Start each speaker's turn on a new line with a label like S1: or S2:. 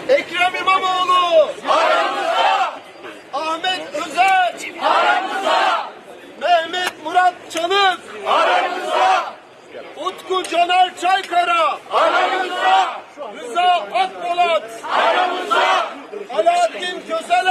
S1: Ekrem İmamoğlu aramızda. Ahmet Özer aramızda. Mehmet Murat Çalık aramızda. Utku Caner Çaykara aramızda. Rıza Akpolat aramızda. Alaaddin Köseler